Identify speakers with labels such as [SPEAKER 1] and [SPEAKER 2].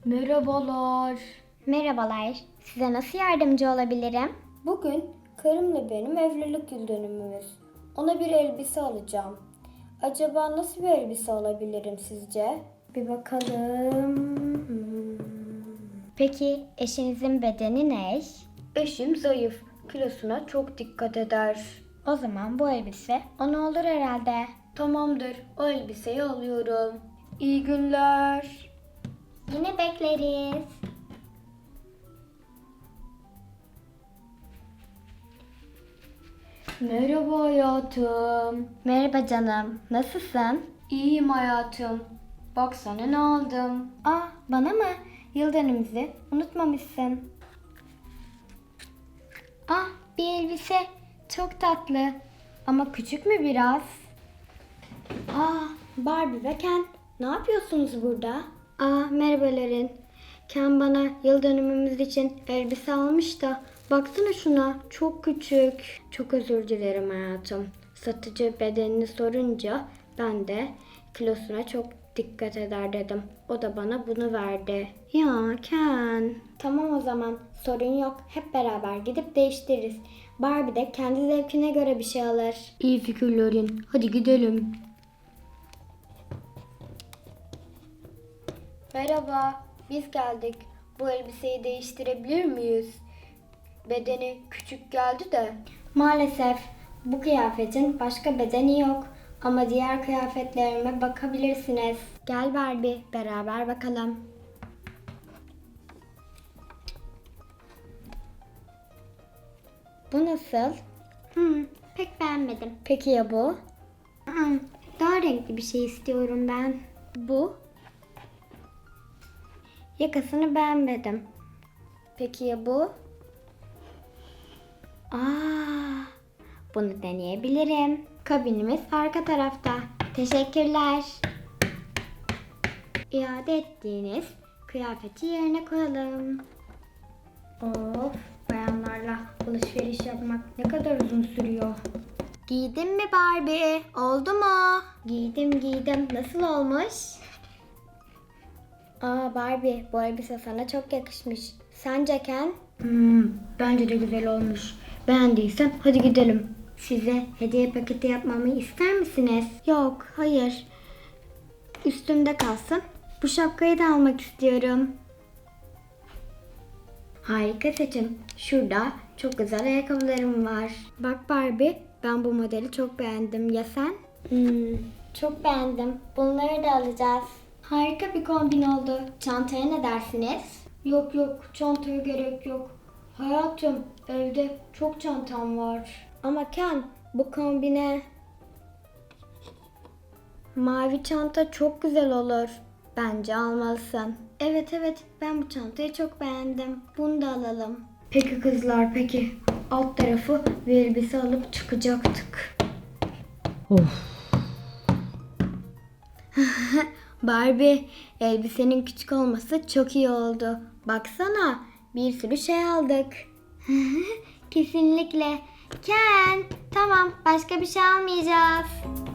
[SPEAKER 1] Merhabalar.
[SPEAKER 2] Merhabalar. Size nasıl yardımcı olabilirim?
[SPEAKER 1] Bugün karımla benim evlilik yıl dönümümüz. Ona bir elbise alacağım. Acaba nasıl bir elbise alabilirim sizce? Bir bakalım.
[SPEAKER 2] Peki eşinizin bedeni ne?
[SPEAKER 1] Eşim zayıf. Kilosuna çok dikkat eder.
[SPEAKER 2] O zaman bu elbise ona olur herhalde.
[SPEAKER 1] Tamamdır. O elbiseyi alıyorum. İyi günler.
[SPEAKER 2] Yine bekleriz.
[SPEAKER 1] Merhaba hayatım.
[SPEAKER 2] Merhaba canım. Nasılsın?
[SPEAKER 1] İyiyim hayatım. Baksana ne aldım.
[SPEAKER 2] Bana mı? Yıl dönümümüzü unutmamışsın. Bir elbise. Çok tatlı. Ama küçük mü biraz? Barbie ve Ken. Ne yapıyorsunuz burada? Merhaba Lorin. Ken bana yıl dönümümüz için elbise almış da baksana şuna, çok küçük. Çok özür dilerim hayatım. Satıcı bedenini sorunca ben de kilosuna çok dikkat eder dedim. O da bana bunu verdi. Ya Ken. Tamam o zaman, sorun yok. Hep beraber gidip değiştiririz. Barbie de kendi zevkine göre bir şey alır.
[SPEAKER 1] İyi fikir Lorin. Hadi gidelim. Merhaba, biz geldik. Bu elbiseyi değiştirebilir miyiz? Bedeni küçük geldi de.
[SPEAKER 2] Maalesef bu kıyafetin başka bedeni yok. Ama diğer kıyafetlerime bakabilirsiniz. Gel Barbie, beraber bakalım. Bu nasıl? Pek beğenmedim. Peki ya bu? Daha renkli bir şey istiyorum ben. Bu? Yakasını beğenmedim. Peki ya bu? Bunu deneyebilirim. Kabinimiz arka tarafta. Teşekkürler. İade ettiğiniz kıyafeti yerine koyalım. Of, bayanlarla alışveriş yapmak ne kadar uzun sürüyor. Giydin mi Barbie? Oldu mu? Giydim. Nasıl olmuş? Barbie, bu elbise sana çok yakışmış. Sence Ken?
[SPEAKER 1] Bence de güzel olmuş. Beğendiysen hadi gidelim.
[SPEAKER 2] Size hediye paketi yapmamı ister misiniz? Yok, hayır. Üstümde kalsın. Bu şapkayı da almak istiyorum. Harika seçim. Şurada çok güzel ayakkabılarım var. Bak Barbie, ben bu modeli çok beğendim. Ya sen? Çok beğendim. Bunları da alacağız. Harika bir kombin oldu. Çantaya ne dersiniz?
[SPEAKER 1] Yok, çantaya gerek yok. Hayatım, evde çok çantam var.
[SPEAKER 2] Ama Ken, bu kombine mavi çanta çok güzel olur. Bence almalısın. Evet, ben bu çantayı çok beğendim. Bunu da alalım.
[SPEAKER 1] Peki kızlar, peki. Alt tarafı bir elbise alıp çıkacaktık.
[SPEAKER 2] Barbie, elbisenin küçük olması çok iyi oldu. Baksana, bir sürü şey aldık. Kesinlikle. Ken, tamam, başka bir şey almayacağız.